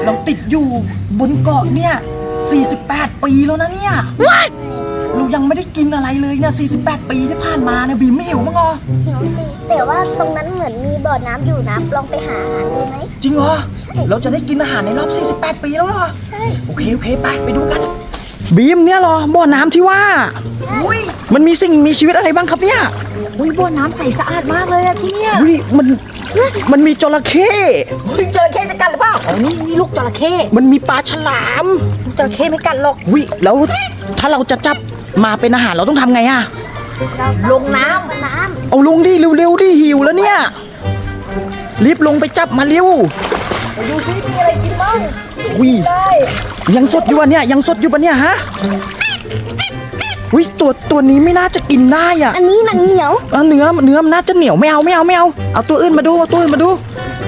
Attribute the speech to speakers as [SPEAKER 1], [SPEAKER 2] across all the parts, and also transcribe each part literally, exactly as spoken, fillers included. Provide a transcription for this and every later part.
[SPEAKER 1] เราติดอยู่บนเกาะเนี่ยสี่สิบแปดปีแล้วนะเนี่ยเรายังไม่ได้กินอะไรเลยเนี่ยสี่สิบแปดปีที่ผ่านมาเนี่ยบีมไม่หิวมั้งเหรอ
[SPEAKER 2] หิวสิแต่ว่าตรงนั้นเหมือนมีบ่อน้ำอยู่นะลองไปหาอาหารดูไหม
[SPEAKER 1] จริงเหรอเราจะได้กินอาหารในรอบสี่สิบแปดปีแล้วเหรอ
[SPEAKER 2] ใช่
[SPEAKER 1] โอเคโอเคไปไปดูกันบีมเนี่ยเหรอบ่อน้ำที่ว่าอุ้ยมันมีสิ่งมีชีวิตอะไรบ้างครับเนี่ย
[SPEAKER 3] อุ้ยบ่อน้ำใสสะอาดมากเลยอะที่เนี่ย
[SPEAKER 1] อุ้ยมันมันมีจระเข้
[SPEAKER 3] อุ้ยจระเข้จะกัดหรือเปล่าอ๋อนี่นี่ลูกจระเข้
[SPEAKER 1] มันมีปลาฉลาม
[SPEAKER 3] ลูกจระเข้ไม่กัดหรอก
[SPEAKER 1] อุ้ยแล้วถ้าเราจะจับมาเป็นอาหารเราต้องทำไงอะ
[SPEAKER 3] ลงน้
[SPEAKER 2] ำน้ำ
[SPEAKER 1] เอาลงดิเร็วๆดิหิวแล้วเนี่ยรีบลงไปจับมาเร็ว
[SPEAKER 3] ดูซิมีอะไรกินบ้าง
[SPEAKER 1] อุ้ยยังสดอยู่วะเนี่ยยังสดอยู่ปะเนี่ยฮะอุ้ยตัวตัวนี้ไม่น่าจะกินได้อ่ะ
[SPEAKER 2] อันนี้หนังเหนียว
[SPEAKER 1] เนื้อเนื้อมันน่าจะเหนียวไม่เอาไม่เอาไม่เอาเอาตัวอื่นมาดูเอาตัวอื่นมาดู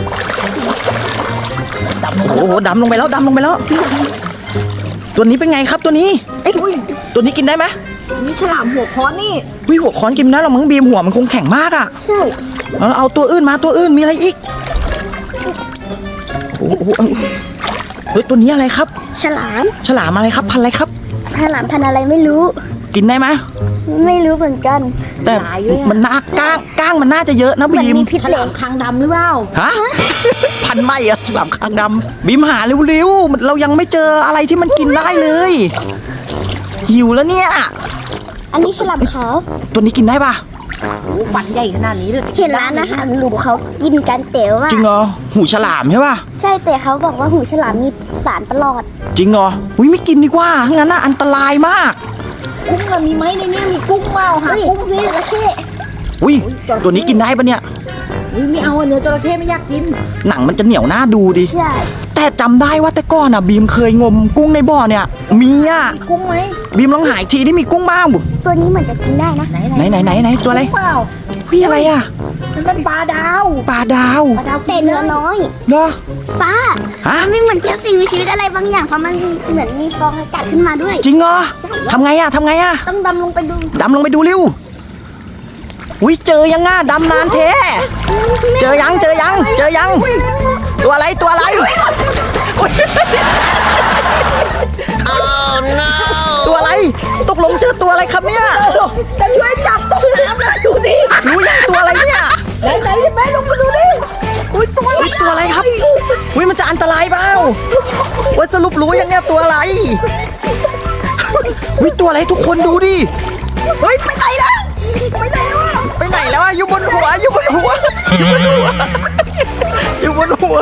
[SPEAKER 1] โอ้โหดำลงไปแล้วดำลงไปแล้วตัวนี้เป็นไงครับตัวนี้
[SPEAKER 3] เอ้ย
[SPEAKER 1] ตัวนี้กินได้ไหม
[SPEAKER 3] นี่ฉลามหัวค้อนนี่
[SPEAKER 1] อุ้ยหัวค้อนกินได้หรอมั้งบีมหัวมันคงแข็งมากอ่ะ
[SPEAKER 2] ใช่
[SPEAKER 1] เอาเอาตัวอื่นมาตัวอื่นมีอะไรอีกโอ้โหเฮ้ยตัวนี้อะไรครับ
[SPEAKER 2] ฉลาม
[SPEAKER 1] ฉลามอะไรครับพันอะไรครับ
[SPEAKER 2] ฉลามพันอะไรไม่รู้
[SPEAKER 1] กินได้ไหม
[SPEAKER 2] ไม่รู้เหมือนกัน
[SPEAKER 1] แต่มันน่าก้างก้างมันน่าจะเยอะนะบีม
[SPEAKER 3] มีพิษฉลามคางดำหรือเปล่า
[SPEAKER 1] ฮะพันไม่อะฉลามคางดำบีมหาเร็วๆเรายังไม่เจออะไรที่มันกินได้เลยหิวแล้วเนี่ย
[SPEAKER 2] อันนี้ฉลามขาว
[SPEAKER 1] ตัวนี้กินได้ปะ
[SPEAKER 3] ฟันใหญ่ขนาดนี้เลย
[SPEAKER 2] เห็นร้านอาหารหรูเขากินกันแต่ว่า
[SPEAKER 1] จริงเหรอหูฉลามใช่ปะ
[SPEAKER 2] ใช่แต่เขาบอกว่าหูฉลามมีสารประหลอด
[SPEAKER 1] จริงเหรออุ้ยไม่กินดีกว่างั้นน่ะอันตรายมาก
[SPEAKER 3] กุ้งมีไหมในนี้มีกุ้งเปล่าหากุ้งสิ
[SPEAKER 2] จระเข้
[SPEAKER 1] อุ้ยตัวนี้กินได้ปะเนี่ย
[SPEAKER 3] นี่ไม่เอาเนื้อจระเข้ไม่อยากกิน
[SPEAKER 1] หนังมันจะเหนียวหน้าดูดิ
[SPEAKER 2] ใช่
[SPEAKER 1] แต่จำได้ว่าแต่ก่อนอ่ะบีมเคยงมกุ้งในบ่อเนี่ยมีอ่ะ
[SPEAKER 3] มีกุ้งไหม
[SPEAKER 1] บีมลองหายทีที่มีกุ้งบ้างบุ
[SPEAKER 2] ตัวนี้เหมือนจะกินได้นะ
[SPEAKER 1] ไหนไหนไหนไหนตัวอะไร
[SPEAKER 3] เปล่า
[SPEAKER 1] พี่อะไรอ่ะ
[SPEAKER 3] นั่นเป็นปลาดาว
[SPEAKER 1] ปลาดาว
[SPEAKER 3] ปลาดาว
[SPEAKER 2] แต่เนื้อน้อย
[SPEAKER 1] เหรอ
[SPEAKER 2] ป้าฮะไม่เหมือนเจ้าสิ่งมีชีวิตอะไรบางอย่างเพราะมันเหมือนมีฟองอากาศขึ้นมาด้วย
[SPEAKER 1] จริงเหรอทำไงอ่ะทำไงอ่ะ
[SPEAKER 2] ต้องดำลงไปดู
[SPEAKER 1] ดำลงไปดูเร็วอุ้ยเจอยังง่ะดำนานเทเจอยังเจอยังเจอยังตัวอะไรตัวอะไรตัวอะไรตกลงเจอตัวอะไรครับเนี่ย
[SPEAKER 3] จะช่วยจับตกน้ำนะดูดิ
[SPEAKER 1] รู้ยังตัวอะไรเนี่ย
[SPEAKER 3] ไหนไหนจะแม่ลงมาดูดิอุ้ยตัวอะไร
[SPEAKER 1] ตัวอะไรครับอุ้ยมันจะอันตรายเปล่าว่าสรุปรู้ยังเนี่ยตัวอะไรอุ้ยตัวอะไรทุกคนดูดิ
[SPEAKER 3] เฮ้ยไปไหนแล้วไปไหนแล้วอ่ะ
[SPEAKER 1] ไปไหนแล้วอ่ะอยู่บนหัวอยู่บนหัวอยู่บนหัวอยู่บนหัว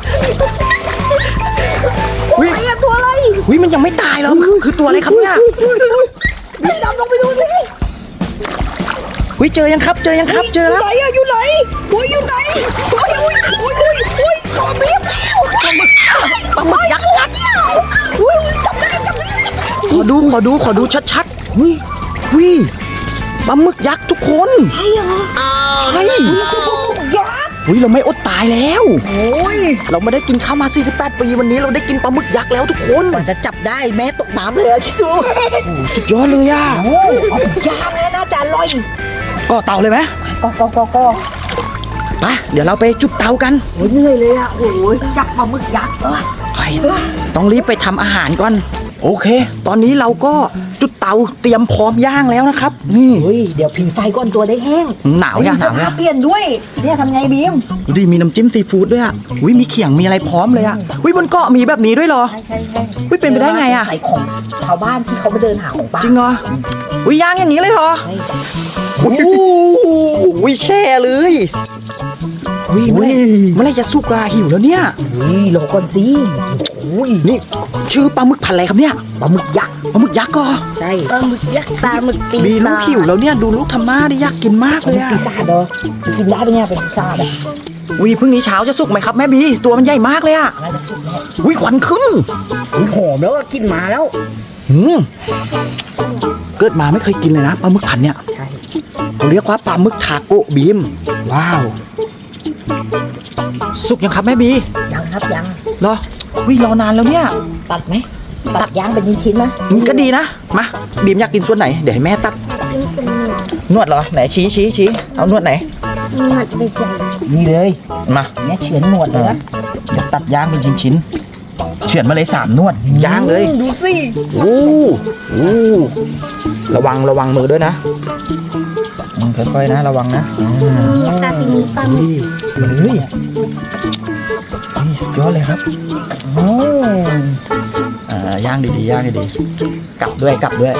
[SPEAKER 3] วิตัวอะไร
[SPEAKER 1] วิมันยังไม่ตายหรอคือตัวอะไรครับเนี่ย
[SPEAKER 3] บินดำลงไปดูสิ
[SPEAKER 1] วิเจอยังครับเจอยังครับเจอแล้ว
[SPEAKER 3] อยู่ไหนอะอยู่ไหนโอ้ยอยู่ไหนโอ้ยโอ้ยโอ้ยโอ้ยตัวบีบแล้วปลาหมึก
[SPEAKER 1] ปลาหมึกยักษ์ยักษ์
[SPEAKER 3] โอ้ยจับได้จับได้จับได้
[SPEAKER 1] ขอดูขอดูขอดูชัดๆวิวิปลาหมึกยักษ์ทุกคน
[SPEAKER 3] ใช่เหรอ
[SPEAKER 1] ใช่
[SPEAKER 3] ยักษ์
[SPEAKER 1] อุ้ยเราไม่อดตายแล้ว
[SPEAKER 3] โอ้ย
[SPEAKER 1] เราไม่ได้กินข้าวมาสี่สิบแปดปีวันนี้เราได้กินปลาหมึกยักษ์แล้วทุกคน
[SPEAKER 3] กว่าจะจับได้แม้ตกน้ำเลยอะคิดดู
[SPEAKER 1] โอ้สุดยอดเลยอ่ะ
[SPEAKER 3] โอ้เอาย่างเลยน่าจะอร่อย
[SPEAKER 1] ก่อเตาเลยไหม
[SPEAKER 3] ก่อก่อก่อก่อ
[SPEAKER 1] ไปเดี๋ยวเราไปจุดเตากัน
[SPEAKER 3] โอ้ยเหนื่อยเลยอ่ะโอ้ยจับปลาหมึกยักษ์
[SPEAKER 1] ไปต้องรีบไปทำอาหารก่อนโอเคตอนนี้เราก็จุดเตาเตรียมพร้อมย่างแล้วนะครับนี่
[SPEAKER 3] เฮ้ยเดี๋ยวผิงไฟก่อนตัวได้แห้ง
[SPEAKER 1] หนาวเนี่ยหนาว
[SPEAKER 3] เปลี่ยนด้วยเนี่ยทำไงบีม
[SPEAKER 1] ดูดิมีน้ำจิ้มซีฟู้ดด้วยอ่ะอุ้ยมีเขียงมีอะไรพร้อมเลยอ่ะอุ้ยบนเกาะมีแบบนี้ด้วยเหรอ
[SPEAKER 3] ใช่ใช่ใช่
[SPEAKER 1] อุ้ยเป็นไปได้ไงอ่ะ
[SPEAKER 3] ใส่ของชาวบ้านที่เขามาเดินหาของป่า
[SPEAKER 1] จริงเหรออุ้ยย่างอย่างนี้เลยเหรอโอ้โหแช่เลยอุ้ยเมื่อไรจะสุกอะหิวแล้วเนี่ย
[SPEAKER 3] อุ้ยรอก่อนสิ
[SPEAKER 1] อุ้ยนี่ชื่อปลาหมึกพันอะไรครับเนี่ย
[SPEAKER 3] ปลาหมึกยักษ์
[SPEAKER 1] ปลาหมึกยักษ์ก็
[SPEAKER 3] ใช่
[SPEAKER 2] ปลาหมึกยักษ์ปลาหมึกปีศาจ
[SPEAKER 1] บีลูกหิวแล้วเนี่ยดูลูกทำหน้าได้อยากกินมากเลยอะ
[SPEAKER 3] ปีศาจเด้อกินได้ปะเนี่ยเป็นปีศาจอะ
[SPEAKER 1] อุ้ยพรุ่งนี้เช้าจะสุกไหมครับแม่บีตัวมันใหญ่มากเลยอะอุ้ยควันขึ้น
[SPEAKER 3] อุ้ยหอมแล้วกินมาแล้ว
[SPEAKER 1] หืมเกิดมาไม่เคยกินเลยนะปลาหมึกพันเนี่ยเขาเรียกว่าปลาหมึกทาโกะบีมว้าวสุกยังครับแม่บี
[SPEAKER 3] ยังครับยัง
[SPEAKER 1] รอวิ่งรอนานแล้วเนี่ย
[SPEAKER 3] ตัดไหมตัดยางเป็นชิ้นๆนะ
[SPEAKER 1] ก็ดีนะมาบีมอยากกินส่วนไหนเดี๋ยวให้แม่ตัด
[SPEAKER 2] กินส่วน
[SPEAKER 1] นวดเหรอไหนชี้ชี้ชี้เอานวดไหน
[SPEAKER 2] นวดใหญ่
[SPEAKER 3] นี่เลย
[SPEAKER 1] มา
[SPEAKER 3] แม่เฉือนหนวดเลยนะ
[SPEAKER 1] เดี๋ยวตัดยางเป็นชิ้นเฉือนมาเลยสามนวดย่างเลย
[SPEAKER 3] ดูสิ
[SPEAKER 1] โอ้โอ้ระวังระวังมือด้วยนะอืมค่อยๆนะระวังนะอ่า
[SPEAKER 2] มีซาซิมิปลาหมึ
[SPEAKER 1] ดู
[SPEAKER 2] ก
[SPEAKER 1] ดิมาเลยนี่สุดยอดเลยครับ
[SPEAKER 3] โอ้
[SPEAKER 1] อ่าย่างดีๆย่างดีๆกลับด้วยกลับด้วย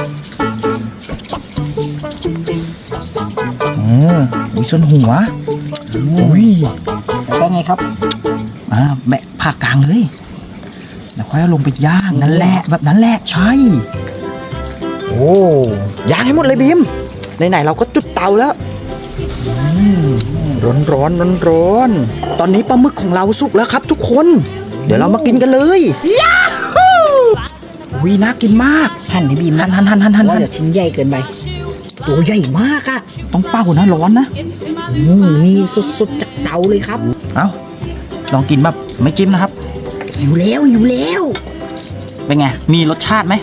[SPEAKER 1] อืมอุ้ยส่วนหัวอุ้ย
[SPEAKER 3] แล้วก็ไงครับ
[SPEAKER 1] อ่าแบะผ่ากลางเลยแล้วค่อยเอาลงไปย่างนั่นแหละแบบนั้นแหละใช่โอ้ย่างให้หมดเลยบีมไหนๆเราก็จุดเตาแล้วร้อนร้อนร้อนร้อนๆตอนนี้ปลาหมึกของเราสุกแล้วครับทุกคน เดี๋ยวเรามากินกันเลยยาฮูวีน่ากินมาก
[SPEAKER 3] หั่นให้บีม
[SPEAKER 1] หั
[SPEAKER 3] นะ
[SPEAKER 1] นหันหันหันหัน
[SPEAKER 3] ว่า
[SPEAKER 1] หัน
[SPEAKER 3] เดี๋ยวชิ้นใหญ่เกินไปตัวใหญ่มากอะ
[SPEAKER 1] ต้องเป้านะร้อนนะ
[SPEAKER 3] อืมนี่สดๆจากเตาเลยครับ
[SPEAKER 1] เอาลองกินแบบไม่จิ้มนะครับ
[SPEAKER 3] อยู่แล้วอยู่แล้ว
[SPEAKER 1] เป็นไงมีรสชาติไหม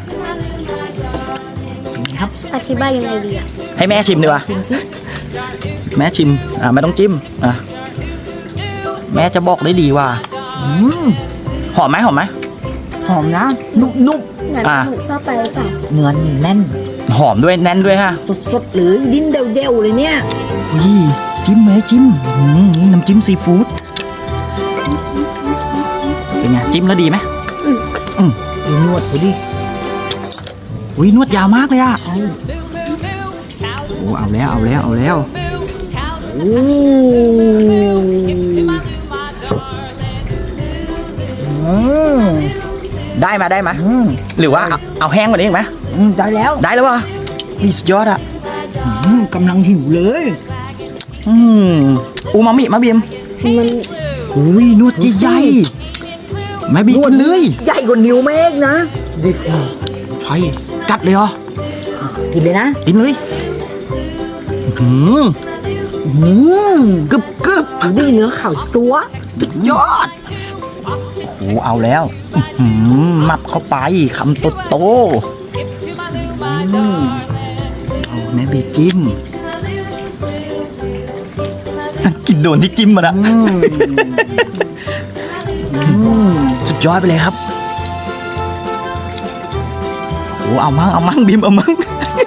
[SPEAKER 3] ครับ
[SPEAKER 2] อธิบายยังไงดีอ่ะ
[SPEAKER 1] ให้แม่ชิมดีกว่า
[SPEAKER 3] ชิมสิ
[SPEAKER 1] แม่ชิมอ่าไม่ต้องจิ้มอ่ะแม่จะบอกได้ดีว่า
[SPEAKER 3] อืม
[SPEAKER 1] หอมไหมหอมไหม
[SPEAKER 3] หอมนะนุ่ม
[SPEAKER 2] เหมือนป
[SPEAKER 1] อ่ะ
[SPEAKER 2] ลาหมึกทั่วไปหรือเปล่า
[SPEAKER 3] ๆเนื้อแน่น
[SPEAKER 1] หอมด้วยแน่นด้วยฮะ
[SPEAKER 3] สดๆเลยดิ้นเดวๆเลยเนี่ย
[SPEAKER 1] วิจิ้มเลยจิ้มอืมนี่น้ำจิ้มซีฟู้ดเป็นไงจิ้มแล้วดีไหม
[SPEAKER 3] ดูนวดเขาดิ
[SPEAKER 1] อุ้ยนวดยาวมากเลยอะ
[SPEAKER 3] ใช่
[SPEAKER 1] โอ้เอาแล้วเอาแล้วเอาแล้ว
[SPEAKER 3] โอ้
[SPEAKER 1] อืมได้มาได้มา
[SPEAKER 3] อืม
[SPEAKER 1] หรือว่าเอาเอาแห้งกว่านี้อีกไหม
[SPEAKER 3] อืมได้แล้ว
[SPEAKER 1] ได้แล้ววะนี่สุดยอดอะ
[SPEAKER 3] อืมกำลังหิวเลย
[SPEAKER 1] อืมอูมามิมาบีม
[SPEAKER 2] มัน
[SPEAKER 1] อุ้ยนวดใหญ่ๆแม่บีกินเลย
[SPEAKER 3] ใหญ่กว่านิ้วแม่เองนะดิ
[SPEAKER 1] ใช่กัดเลยเหรอ
[SPEAKER 3] กินเลยนะ
[SPEAKER 1] กินเลยอืม
[SPEAKER 3] อืม
[SPEAKER 1] กึบกึบ
[SPEAKER 3] ดูดิเนื้อขาวตัว
[SPEAKER 1] สุดยอดโอ้เอาแล้วอื้อหือมับเข้าไปคำโตโตๆอืมเอาแม่บีจิ้มกินโดนที่จิ้มมานะ
[SPEAKER 3] อืมอืม
[SPEAKER 1] สุดยอดไปเลยครับโอ้เอามั่งเอามั่งบีมเอามั่ง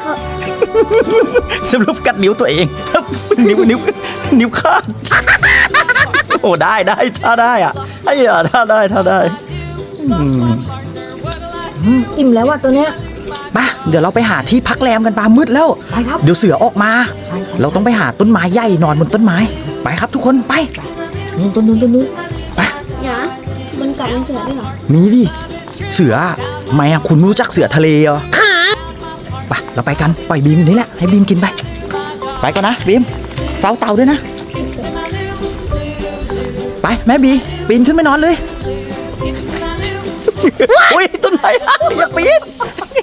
[SPEAKER 1] สรุปกัดนิ้วตัวเอง นิ้วนิ้วนิ้วขาดโอ้ได้ได้ถ้าได้อ่ะไอ้ยาถ้าได้ถ้าได้อืม
[SPEAKER 3] อืมอิ่มแล้วว่ะตัวเนี้ย
[SPEAKER 1] ไปเดี๋ยวเราไปหาที่พักแรมกันปามืดแล้ว
[SPEAKER 3] ไปครับ
[SPEAKER 1] เดี๋ยวเสือออกมา
[SPEAKER 3] ใช่ใช่
[SPEAKER 1] เราต้องไปหาต้นไม้ใหญ่นอนบนต้นไม้ ไปครับทุกคนไป
[SPEAKER 3] นี่ตัวนู้นตัวนู้น
[SPEAKER 1] ไป
[SPEAKER 2] เดี๋ยวนะบนเกาะมีเสือด้วยเหรอ
[SPEAKER 1] มีดิเสือทำไมอ่ะคุณไม่รู้จักเสือทะเลเหรอไปเราไปกันปล่อยบีมอยู่นี่แหละให้บีมกินไปไปก่อนนะบีมเฝ้าเตาด้วยนะไปแม่บีปีนขึ้นไปนอนเลย อุ้ยต้นไม้อย่าปีน